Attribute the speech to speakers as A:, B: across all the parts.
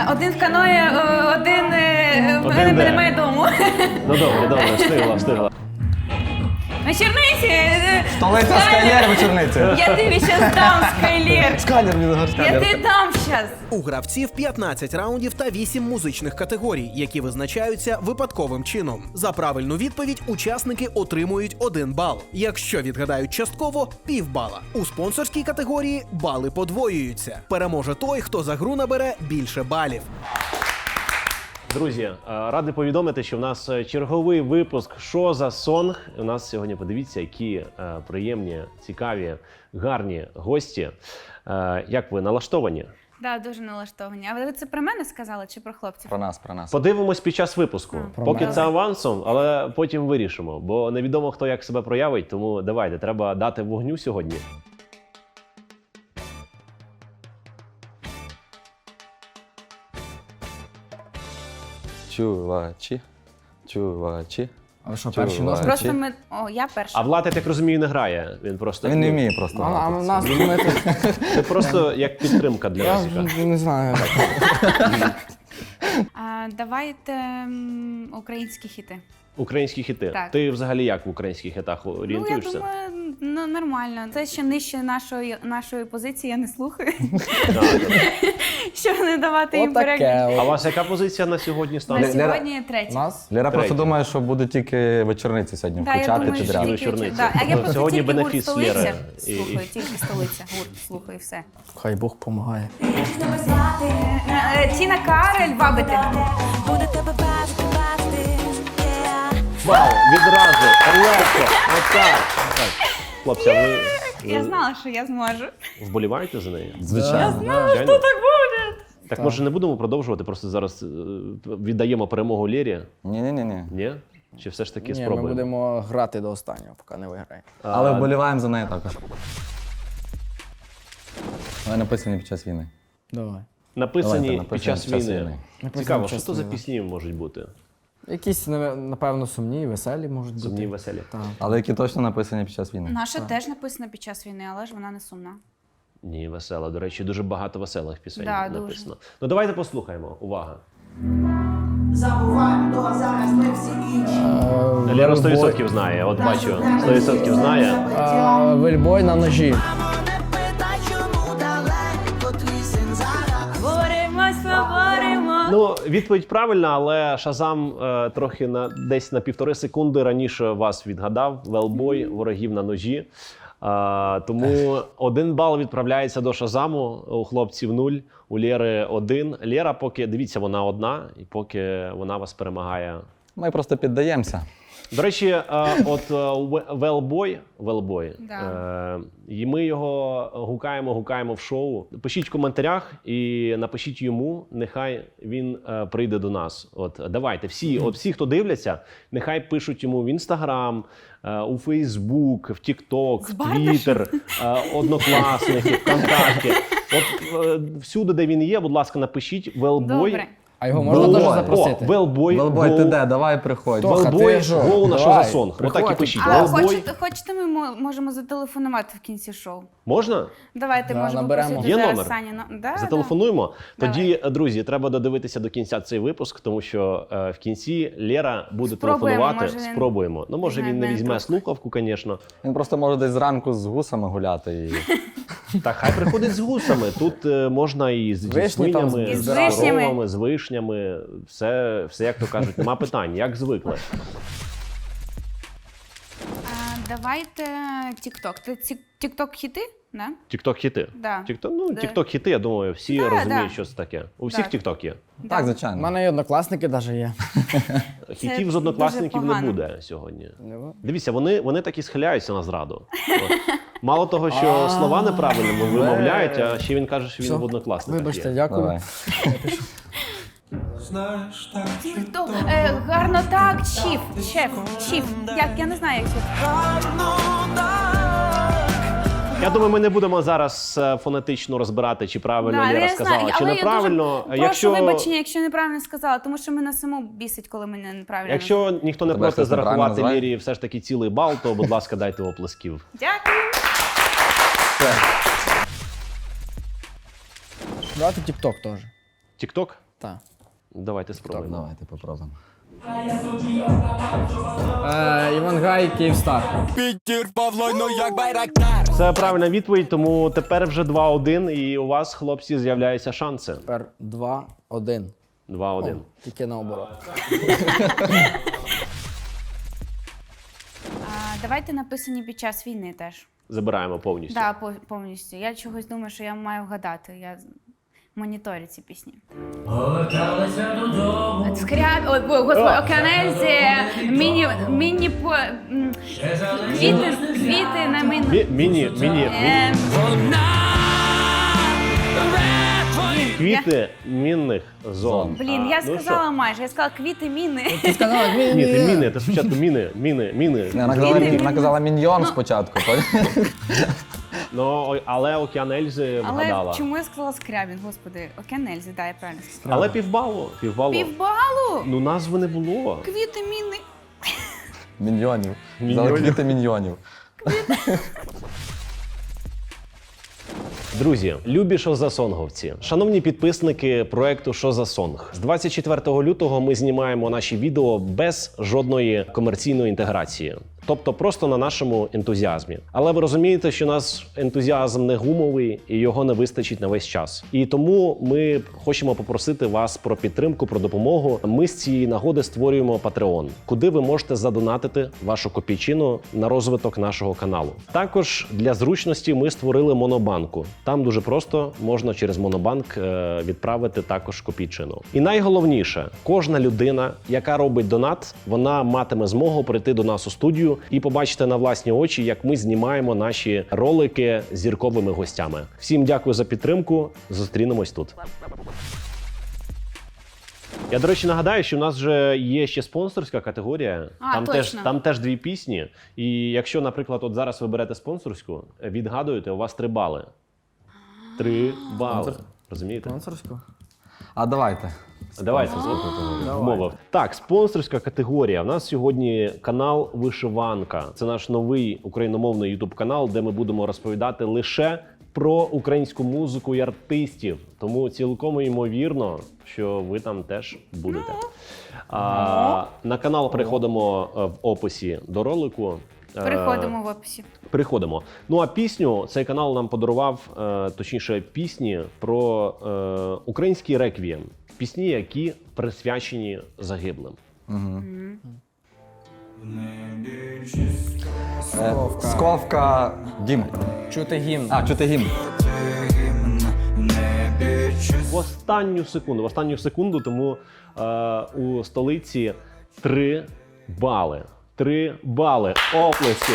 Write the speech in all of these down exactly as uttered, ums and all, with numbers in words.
A: Е, один в каної, е, один, е, в
B: Один
A: мене
B: де?
A: немає дому.
B: Ну добре, добре, встигла, встигла.
A: На Черниці. е,
C: Столиця Скайлер вечорниці.
A: Я тобі щас дам, Скайлер.
C: Скайлер, він
A: Я
C: Скайлер.
A: тобі дам щас.
D: У гравців п'ятнадцять раундів та вісім музичних категорій, які визначаються випадковим чином. За правильну відповідь учасники отримують один бал. Якщо відгадають частково – півбала. У спонсорській категорії бали подвоюються. Переможе той, хто за гру набере більше балів.
B: Друзі, е, радий повідомити, що в нас е, черговий випуск «Що за сонг?». У нас сьогодні, подивіться, які е, приємні, цікаві, гарні гості. Е, Як ви налаштовані?
A: Да, дуже налаштовані. А ви це про мене сказали чи про хлопців?
C: Про нас, про нас.
B: Подивимось під час випуску.
A: А.
B: Поки
A: мене.
B: це авансом, але потім вирішимо. Бо невідомо, хто як себе проявить, тому давайте, треба дати вогню сьогодні.
C: Чувачі, чувачі.
E: А ви що,
C: Чувачі.
E: перші нос?
A: Просто ми... О, я перша.
B: А Влад, я так розумію, не грає. Він просто
C: Він не вміє просто.
E: А, а
C: грати
E: в
C: в
E: нас
C: це.
E: ми тут...
B: Це просто як підтримка для
E: Я
B: Росіка.
E: не знаю.
A: А, давайте м, українські хіти.
B: Українські хіти.
A: Так.
B: Ти взагалі як в українських хітах орієнтуєшся?
A: Ну, я думаю, ну, нормально. Це ще нижче нашої, нашої позиції, я не слухаю.
B: Да, да.
A: Щоб не давати їм
E: Отаке.
A: перегляд.
B: А у
E: от.
B: вас яка позиція на сьогодні
A: На
B: стане?
C: Лера-
A: сьогодні третя.
E: Нас?
C: Лера просто
B: Третє.
C: думає, що буде тільки вечорниці сьогодні
A: Да, я
C: включати
A: думаю, що
C: підряд.
B: тільки-
A: тільки,
B: вечорниці.
A: да. А я просто
B: Сьогодні
A: тільки гурт
B: бенефіс
A: столиця
B: Лєри. І-
A: слухаю, тільки столиця, гурт слухаю, все.
E: Хай Бог помагає.
A: Е, Тіна Карель, бабити.
B: Вау, відразу, легко, отак. Так. Хлопці, а ви,
A: Я
B: ви
A: знала, що я зможу.
B: вболіваєте за неї?
C: Звичайно.
B: Звичайно.
A: Так буде.
B: Так може не будемо продовжувати, просто зараз е, віддаємо перемогу Лєрі?
C: Ні-ні-ні.
B: Ні? Чи все ж таки
E: Ні, ми
B: спробуємо?
E: будемо грати до останнього, поки не виграє.
C: Але вболіваємо за неї також. Вони написані під час війни.
E: Давай.
B: Написані
C: Давайте,
B: під час війни.
E: Написані
B: Цікаво,
E: під
B: що
E: час
B: то за
E: війни.
B: пісні можуть бути?
E: Якісь, нав- напевно, сумні, веселі можуть бути.
B: Сумні, веселі.
E: Так.
C: Але які точно написані під час війни.
A: Наша теж написана під час війни, але ж вона не сумна.
B: Ні, весела. До речі, дуже багато веселих пісень
A: Да, дуже.
B: написано. Ну давайте послухаємо. Увага.
F: Забуваємо, то зараз ми всі інші.
B: Лера сто відсотків знає, от бачу, сто відсотків знає.
E: А, Вельбой на ножі.
F: Не питай, чому далеко твій син зараз.
A: Боремось, поборемо.
B: Ну, відповідь правильна, але Шазам е, трохи на десь на півтори секунди раніше вас відгадав. Велбой, ворогів на ножі. Е, тому один бал відправляється до Шазаму, у хлопців нуль, у Лєри один. Лєра поки, дивіться, вона одна, і поки вона вас перемагає.
C: Ми просто піддаємося.
B: До речі, е, от е, Велбой, Велбой,
A: Да.
B: е, і ми його гукаємо, гукаємо в шоу. Пишіть в коментарях і напишіть йому, нехай він е, прийде до нас. От давайте, всі, от всі, хто дивляться, нехай пишуть йому в Інстаграм, е, у Фейсбук, в Тікток, в Твіттер, е, Однокласники, ВКонтакті. От е, всюди, де він є, будь ласка, напишіть Велбой.
A: Добре.
E: А його можна
C: Велбой.
E: теж запросити?
B: О, Велбой,
C: Велбой, ти
B: гоу.
C: де? Давай приходь.
E: Хто?
B: Велбой,
E: ти що?
B: гоу на що
E: Давай,
B: за сонг. Отак і
E: приходь.
B: пишіть.
A: А
B: Велбой.
A: хочете, хочете, ми мо- можемо зателефонувати в кінці шоу?
B: Можна?
A: Давайте,
E: Да,
A: можемо
E: наберемо.
A: попросити
B: Є
A: зараз
B: номер?
A: Сані. Ну, да,
B: Зателефонуємо.
A: Давай.
B: Тоді, друзі, треба додивитися до кінця цей випуск, тому що е, в кінці Лєра буде
A: Спробуємо,
B: телефонувати.
A: може, він
B: Спробуємо. Ну, може,
A: візьме
B: він не
A: мене
B: візьме
A: трохи.
B: слухавку, звісно.
C: Він просто може десь зранку з гусами гуляти. І...
B: Так, хай приходить з гусами. Тут е, можна і з
E: Вишні там
B: свинями,
A: І з
B: з
A: вишнями.
B: коровами, з вишнями. Все, все, як то кажуть, нема питань, як звикли.
A: А, давайте TikTok. Ти TikTok хіти? Да?
B: Тікток-хіти.
A: Да.
B: Тікток, ну,
A: Да.
B: Тікток-хіти, я думаю, всі
A: Да,
B: розуміють,
A: да.
B: що це таке. У всіх
A: Да.
B: Тікток є.
A: Да.
C: Так,
E: У
C: звичайно.
E: мене і однокласники навіть є.
B: Хітів з
A: дуже
B: однокласників не
A: погано.
B: буде сьогодні.
E: Не буде?
B: Дивіться, вони, вони так і схиляються на зраду. От. Мало того, що слова неправильно вимовляють, а ще він каже, що він
E: Все.
B: в однокласниках
E: Вибачте,
B: є.
E: дякую.
C: Давай.
A: Хто? Е, гарно так, чіф, шеф, чіф. Як, я не знаю, як це.
B: Я думаю, ми не будемо зараз е, фонетично розбирати, чи правильно
A: Да,
B: Лєра
A: я
B: сказала,
A: знаю,
B: чи
A: але
B: неправильно.
A: Я дуже прошу
B: Якщо,
A: вибачення, якщо неправильно сказала, тому що мене саму бісить, коли мене неправильно.
B: якщо ніхто не
C: Тебе
B: просить
C: хтось неправильно
B: зарахувати
C: називає?
B: Лєрі все ж таки цілий бал, то, будь ласка, дайте оплесків.
A: Дякую.
E: Давайте TikTok теж.
B: Тікток?
E: Так.
B: Давайте спробуємо.
C: Давайте попробуємо.
E: Е, Івангай, Київстар.
B: Це правильна відповідь, тому тепер вже два-один, і у вас, хлопці, з'являються шанси.
E: Тепер два один.
B: два-один.
E: Тільки наоборот.
A: А, давайте написані під час війни теж.
B: Забираємо повністю.
A: Так, да, повністю. Я чогось думаю, що я маю вгадати. Я моніторю ці пісні. Скряб... Ой, бо, господи, Океанельзі, міні... міні... по- м, Квіти, квіти на міні...
B: Мі- Міні, міні,
A: Ем,
B: квіти мінних зон.
A: Блін, я
B: А, ну
A: сказала майже. Я сказала квіти міни.
E: Ти сказала,
B: що? Ні, ти міни, ти спочатку міни, міни, міни.
C: Не, Вона казала,
A: Квіти.
C: вона казала міньйон спочатку.
B: Ну, ой, але Океан Ельзи
A: Але
B: вгадала.
A: чому я сказала Скрябін? Господи, Океанельзі, да, я правильно сказала.
B: Але півбалу, півбалу.
A: Півбалу?
B: Ну, назви не було.
A: Квіти міни.
C: Міньйонів.
B: Міньйонів.
C: Казала квіти міньйонів.
B: Друзі, любі шозасонговці, шановні підписники проекту «Що за сонг». З двадцять четвертого лютого ми знімаємо наші відео без жодної комерційної інтеграції. Тобто просто на нашому ентузіазмі. Але ви розумієте, що наш ентузіазм не гумовий і його не вистачить на весь час. І тому ми хочемо попросити вас про підтримку, про допомогу. Ми з цієї нагоди створюємо Patreon, куди ви можете задонатити вашу копійчину на розвиток нашого каналу. Також для зручності ми створили монобанку. Там дуже просто можна через монобанк е, відправити також копійчину. І найголовніше, кожна людина, яка робить донат, вона матиме змогу прийти до нас у студію і побачити на власні очі, як ми знімаємо наші ролики з зірковими гостями. Всім дякую за підтримку. Зустрінемось тут. Я, до речі, нагадаю, що в нас вже є ще спонсорська категорія.
A: А,
B: там,
A: точно.
B: теж, там теж дві пісні. І якщо, наприклад, от зараз ви берете спонсорську, відгадуєте, у вас три бали. Три бали. Розумієте?
E: Спонсорську?
C: А давайте.
B: Давайте, вмовив. Так, спонсорська категорія. У нас сьогодні канал Вишиванка. Це наш новий україномовний ютуб канал, де ми будемо розповідати лише про українську музику і артистів. Тому цілком ймовірно, що ви там теж будете. А, на канал переходимо е, в описі до ролику. Е,
A: Переходимо в описі.
B: Переходимо. Ну а пісню цей канал нам подарував, е, точніше, пісні про е, український реквієм. Пісні, які присвячені загиблим.
C: Е, Сковка Дім.
E: Чути гімн.
C: А, чути гімн.
B: В останню секунду, в останню секунду, тому е, у столиці три бали. Три бали. Оплески.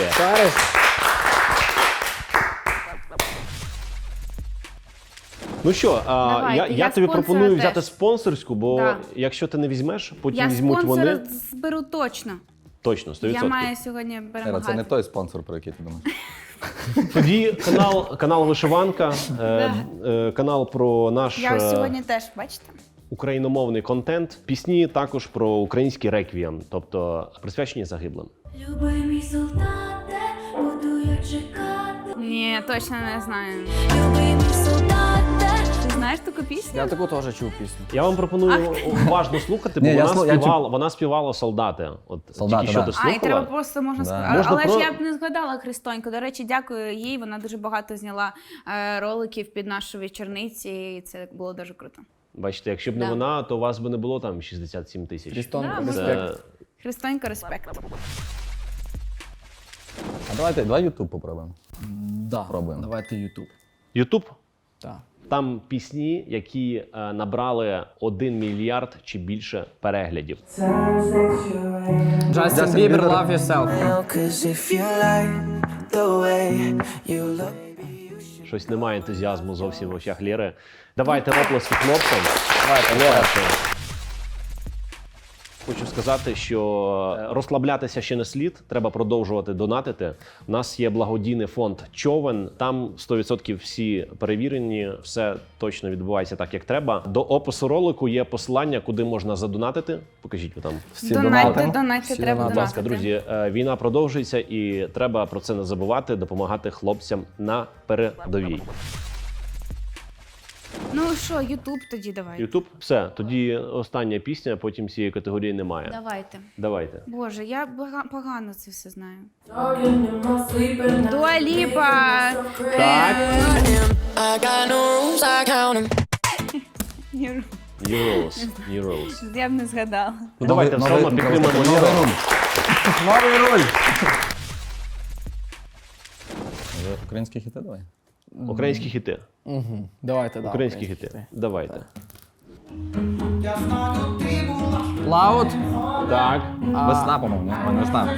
B: Ну що, а,
A: Давайте,
B: я, я,
A: я
B: тобі
A: спонсора
B: пропоную
A: теж.
B: взяти спонсорську, бо
A: Да.
B: якщо ти не візьмеш, потім
A: Я
B: візьмуть
A: спонсора
B: вони.
A: зберу точно.
B: Точно, сто
A: Я
B: відсотків.
A: маю сьогодні
C: Ера,
A: перемагати.
C: це не той спонсор, про який ти думаєш.
B: Тоді канал, канал Вишиванка, е, е, канал про наш
A: Я ось
B: е,
A: сьогодні теж, бачите?
B: україномовний контент. Пісні також про український реквієм, тобто присвячені загиблим.
G: Любий мій солдате, буду я чекати.
A: Ні, точно не знаю.
G: Любий мій солдате.
A: Ти знаєш таку пісню?
E: Я таку теж чув пісню.
B: Я вам пропоную уважно слухати, бо
C: Ні, я
B: вона,
C: слу- я чу-
B: співала, вона співала солдати. От
C: Солдати,
B: тільки що
C: да.
B: ти
A: А,
B: слухала.
A: і треба просто можна
C: Да.
A: сказати.
B: Можна
A: Але
B: про-
A: ж я б не згадала Христоньку. До речі, дякую їй. Вона дуже багато зняла е, роликів під нашу вечорниці, і це було дуже круто.
B: Бачите, якщо б не
A: Да.
B: вона, то у вас би не було там шістдесят сім тисяч.
E: Крістон,
A: Да,
B: Це-
E: респект.
A: Христонька, респект.
C: А давайте, давай Ютуб попробуємо.
E: Да.
C: Пробуємо.
E: Давайте Ютуб.
B: Ютуб.
E: Так.
B: Там пісні, які е, набрали один мільярд чи більше переглядів.
E: Джастін Бібер, Love Yourself.
F: Cause if you like the way you look.
B: Щось немає ентузіазму зовсім в очах Лєри. Давайте оплески хлопцям. Давайте, Лєра. Хочу сказати, що е, розслаблятися ще не слід, треба продовжувати донатити. У нас є благодійний фонд Човен, там сто відсотків всі перевірені, все точно відбувається так, як треба. До опису ролику є посилання, куди можна задонатити. Покажіть ви там.
C: Всі
A: Донайте,
C: донатимо.
A: донайте,
C: Всі
A: треба
C: донатимо.
B: Будь ласка,
A: донатити.
B: друзі, е, війна продовжується і треба про це не забувати, допомагати хлопцям на передовій.
A: Ну що, Ютуб тоді давай.
B: Ютуб? Все, тоді остання пісня, потім цієї категорії немає.
A: Давайте.
B: Давайте.
A: Боже, я бага- погано це все знаю. Дуа Ліпа.
B: Так.
F: I got no rules, I count 'em.
A: Е,
B: New Rules. New Rules.
A: Я б не згадала.
B: Ну давайте все одно підтримаємо
C: новий
B: Леру.
C: руль. Новий руль. Може, Українські хіти давай.
B: Українські хіти.
E: Угу. Давайте, да.
B: Українські хіти. Давайте.
E: Лаут.
B: Так.
C: Весна, по-моєму. Ой, не весна.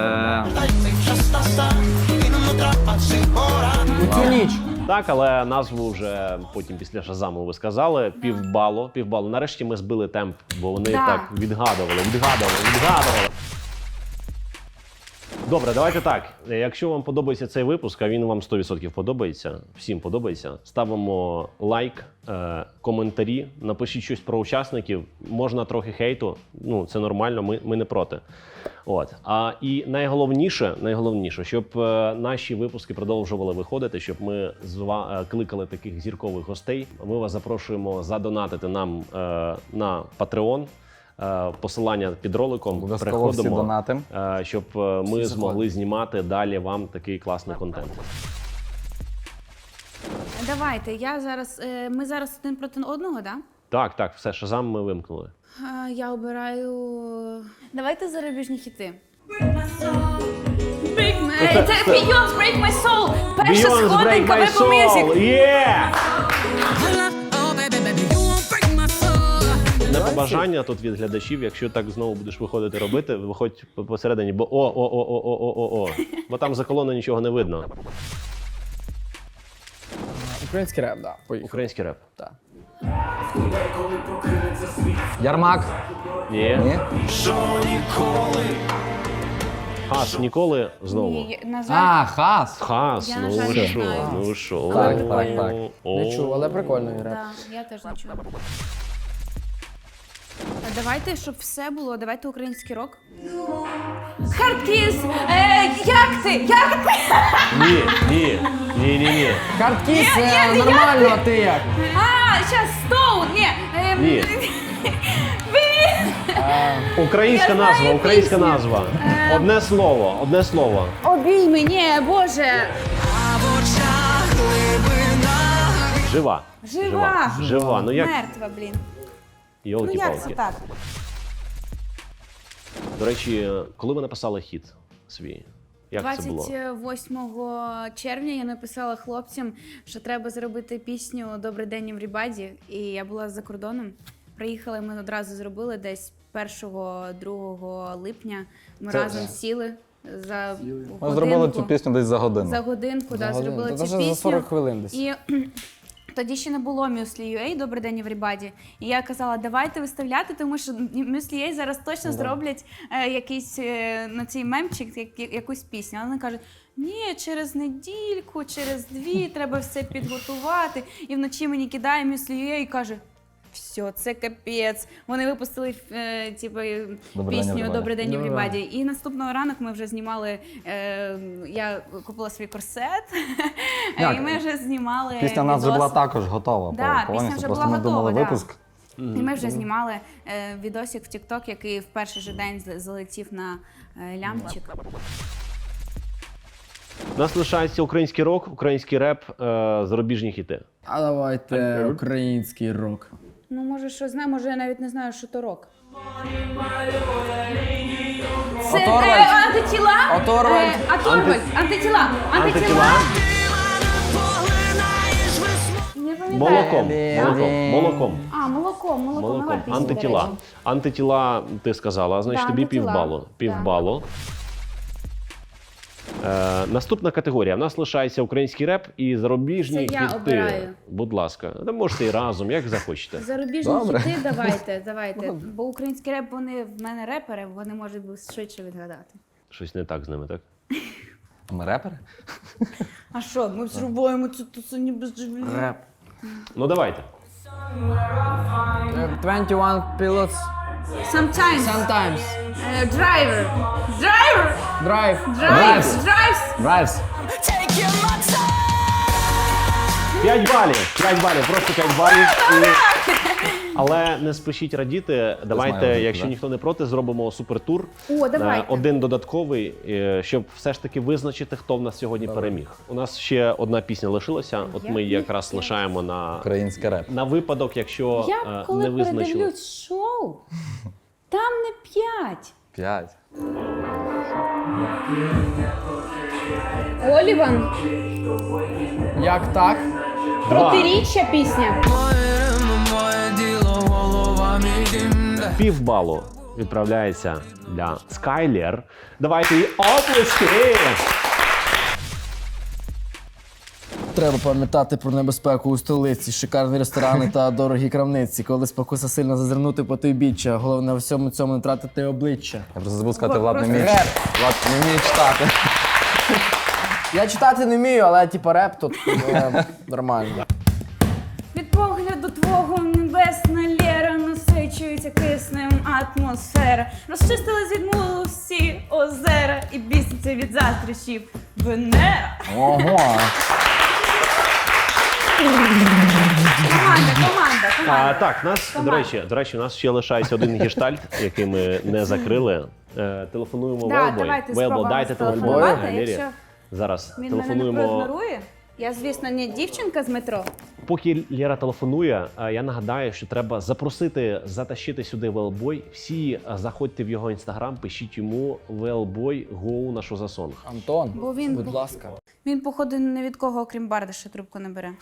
C: Е,
E: У цю ніч.
B: Так, але назву вже потім після Шазаму ви сказали. Півбалу. Півбалу. Нарешті ми збили темп, бо вони
A: Да.
B: так відгадували, відгадували, відгадували. Добре, давайте так. Якщо вам подобається цей випуск, а він вам сто відсотків подобається, всім подобається, ставимо лайк, е, коментарі, напишіть щось про учасників. Можна трохи хейту, ну це нормально, ми, ми не проти. От. А і найголовніше, найголовніше, щоб е, наші випуски продовжували виходити, щоб ми зва, е, кликали таких зіркових гостей. Ми вас запрошуємо задонатити нам е, на Patreon. Е, Посилання під роликом.
C: Обов'язково всі
B: Переходимо,
C: донати.
B: е, щоб е, ми змогли знімати далі вам такий класний контент.
A: Давайте, я зараз. е, Ми зараз один проти одного, так?
B: Так, так, все, Шазам ми вимкнули.
A: Да? Я обираю. Давайте зарубіжні хіти. Це Beyoncé Break My Soul! Перша
B: Beyonce, Break
A: сходинка в
B: My
A: Apple Music!
B: Soul! Yeah! На побажання тут від глядачів, якщо так знову будеш виходити робити, виходь посередині, бо о, о, о, о, о, о, о, о. Бо там за колоною нічого не видно.
E: Український реп, да. Поїхали.
B: Український реп.
E: Так.
C: Ярмак.
B: Ні.
C: Ні?
B: Хас ніколи знову.
A: Ні, на жаль,
C: А, хас.
B: Хас,
A: Я, на
B: ну
A: жаль,
B: ви
A: не
B: що,
A: знаю.
B: ну ви що.
C: Так, так, так.
B: О.
E: Не чув, але прикольний реп.
A: да, я теж не чула. А давайте, щоб все було, давайте український рок. Хардкіс! Е, як ти? Як ти?
B: Ні, ні, ні, ні, ні.
E: Хардкіс,
A: Ні,
E: е,
A: ні,
E: нормально,
A: як
E: а ти як?
A: А, щас, Стоун! Ні. е,
B: Ні.
A: Блін!
B: Українська
A: Я знаю
B: назва, українська
A: пісню.
B: назва. Одне слово, одне слово.
A: Обійми, ні, Боже!
B: Жива.
A: Жива!
B: Жива. Ну як?
A: Мертва, блін. Ну як це
B: Йолки-палки.
A: так?
B: До речі, коли ви написали хіт свій? Як це було?
A: двадцять восьмого червня я написала хлопцям, що треба зробити пісню «Добрий день, Еврібаді». І я була за кордоном. Приїхали, ми одразу зробили десь першого-другого липня. Ми
C: Це-
A: разом сіли за
C: Ми зробили цю
A: годинку.
C: пісню десь за годину.
A: За годинку, да,
E: годину.
A: зробили
E: Та
A: цю
E: даже
A: пісню.
E: за сорок хвилин десь.
A: І тоді ще не було Muesli.ua «Добрий день, Everybody». І я казала, давайте виставляти, тому що Muesli.ua зараз точно зроблять е, якийсь е, на цей мемчик, як, як- якусь пісню. А вони кажуть, ні, через недільку, через дві треба все підготувати. І вночі мені кидає Muesli.ua і каже, все, це капець. Вони випустили е, типу,
C: «Добрий день,
A: пісню
C: Everybody».
A: «Добрий день,
E: Добрий
A: Everybody». І наступного ранок ми вже знімали, е, я купила свій корсет, і
C: Як?
A: ми вже знімали
C: Пісня в нас вже
A: відос.
C: була також готова.
A: Да,
C: по-
A: пісня
C: повністю.
A: вже
C: Просто
A: була
C: ми думали
A: готова, да.
C: випуск.
A: І ми вже знімали е, відосик в TikTok, який в перший же день з- залетів на е, лямчик.
B: У нас лишається український рок, український реп, е, зарубіжні хіти.
E: А давайте український рок.
A: Ну, може, що знаю, може, я навіть не знаю, що то рок. Це
E: Оторвальд.
A: е, антитіла.
E: Оторвальд.
A: Е, Оторвальд. Антитіла. Антитіла.
B: Антитіла.
A: Не пам'ятаю.
B: Молоком.
E: Блін.
B: Молоком. Молоком.
A: А, молоко, молоко. Нова
B: Молоком.
A: пісня, до
B: Антитіла.
A: речі.
B: Антитіла ти сказала, значить
A: Да,
B: тобі
A: антитіла.
B: півбалу. Півбалу. Е, наступна категорія. У нас лишається український реп і зарубіжні
A: Це я
B: хіти.
A: обираю.
B: Будь ласка, ви можете і разом, як захочете.
A: Зарубіжні
C: Добре.
A: хіти давайте, давайте. Бо український реп, вони в мене репери, вони можуть би швидше відгадати.
B: Щось не так з ними, так?
C: Ми репери?
A: А що, ми зробимо цю тусу без живлення?
E: Реп.
B: Ну давайте.
E: Е, двадцять один Pilots.
A: Sometimes.
E: Sometimes.
A: Е, Driver. Driver.
E: Drive.
A: Drives. Drives.
C: Драйвс.
F: Take your time.
B: п'ять балів, п'ять балів, просто п'ять балів. І... Але не спішіть радіти. Давайте,
C: знаю,
B: якщо
C: да.
B: ніхто не проти, зробимо супертур.
A: О, давайте.
B: Е, Один додатковий, е, щоб все ж таки визначити, хто в нас сьогодні переміг. У нас ще одна пісня лишилася. От ми її якраз лишаємо на,
C: Український реп.
B: на випадок, якщо
A: Я
B: е,
A: коли
B: не визначили.
A: передивлюсь шоу, там не п'ять.
C: П'ять.
A: Оліван,
E: Як так?
A: протиріччя пісня.
B: Півбалу відправляється для Скайлер. Давайте їй оплески!
E: Треба пам'ятати про небезпеку у столиці, шикарні ресторани та дорогі крамниці. Коли спокуса сильно зазирнути по потойбіччя, головне у всьому цьому не тратити обличчя.
C: Я просто забув сказати,
A: О,
C: Влад не
A: просто
C: вміє. Влад не вміє читати.
E: Я читати не вмію, але типу реп тут е, нормально.
A: Від погляду твого небесна Лєра насичується киснем атмосфера. Розчистили з відмулу всі озера і біситься від заздрощів Венера.
E: Ого.
A: Команда, команда,
B: А,
A: команда.
B: так, нас, до речі, до речі, у нас ще лишається один гештальт, який ми не закрили. Е, телефонуємо
A: Да,
B: Велбой.
A: давайте
B: Велбо,
A: спробуємо
B: дайте телефон.
A: зателефонувати,
B: Лері.
A: якщо
B: Зараз
A: Він мене не
B: телефонуємо.
A: проігнорує. Я, звісно, не дівчинка з метро.
B: Поки Лера телефонує, е, я нагадаю, що треба запросити, затащити сюди Велбой. Всі е, заходьте в його інстаграм, пишіть йому Велбой гоу на що за сонг.
E: Антон,
A: Бо він-
E: будь ласка.
A: Він, походу, не від кого, окрім Бардаша, трубку не бере.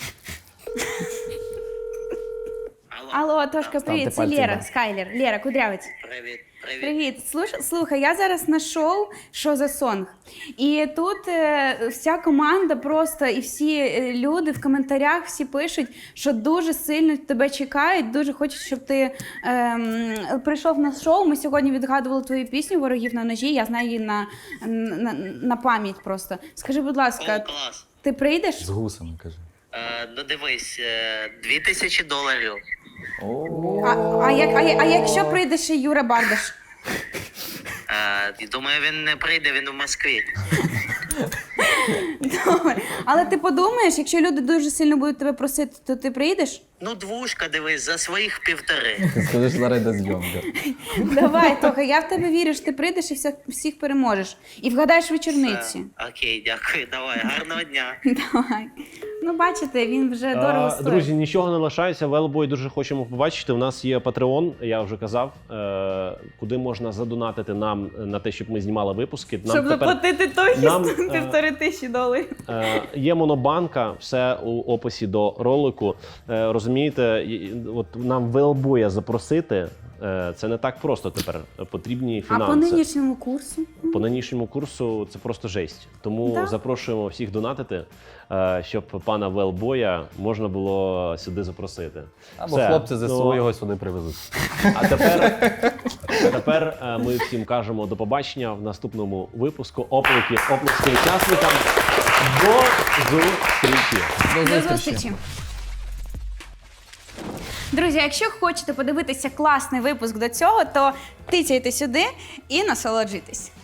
A: Алло, Тошка, привіт, це
E: пальці
A: Лера,
E: вверх.
A: Скайлер. Лера, кудрявець.
F: Привіт, привіт.
A: Привіт. Слуш- Слухай, я зараз на шоу «Що за сонг?» І тут е, вся команда просто, і всі е, люди в коментарях всі пишуть, що дуже сильно тебе чекають, дуже хочуть, щоб ти ем, прийшов на шоу. Ми сьогодні відгадували твою пісню «Ворогів на ножі», я знаю її на, на, на пам'ять просто. Скажи, будь ласка,
F: О, клас.
A: ти прийдеш?
C: З гусами, каже.
F: Е, ну дивись, е, дві тисячі доларів.
A: А, а, як, а, я- а якщо прийде ще Юра Бардаш?
F: Е, думаю, він не прийде, він у Москві.
A: Добре. Але ти подумаєш, якщо люди дуже сильно будуть тебе просити, то ти прийдеш?
F: Ну, двушка, дивись, за своїх півтори.
C: Ти скажеш, зараз йде зйомка.
A: Давай, Тоха, я в тебе вірю, що ти прийдеш і всіх, всіх переможеш. І вгадаєш вечорниці.
F: Е, окей, дякую, давай, гарного дня.
A: Давай. Ну, бачите, він вже дорого
B: А,
A: стоїть.
B: друзі, нічого не лишається. Велбой дуже хочемо побачити. У нас є Patreon, я вже казав, е, куди можна задонатити нам на те, щоб ми знімали випуски. Нам
A: Щоб
B: тепер,
A: заплатити Тохі
B: нам, е,
A: півтори тисячі доларів.
B: е, є монобанка, все у описі до ролику. Е, розумієте, і- от нам Велбоя запросити. е, Це не так просто тепер. Потрібні
A: А
B: фінанси.
A: по нинішньому курсу?
B: По нинішньому курсу це просто жесть. Тому
A: Да.
B: запрошуємо всіх донатити, е, щоб пана Велбоя можна було сюди запросити.
C: Або
B: Все.
C: хлопці з ЗСУ
B: Ну,
C: його сюди привезуть.
B: А тепер, тепер е, ми всім кажемо до побачення в наступному випуску. Оплески, оплески учасникам. До зустрічі!
A: До зустрічі. Друзі, якщо хочете подивитися класний випуск до цього, то тицяйте сюди і насолоджуйтесь.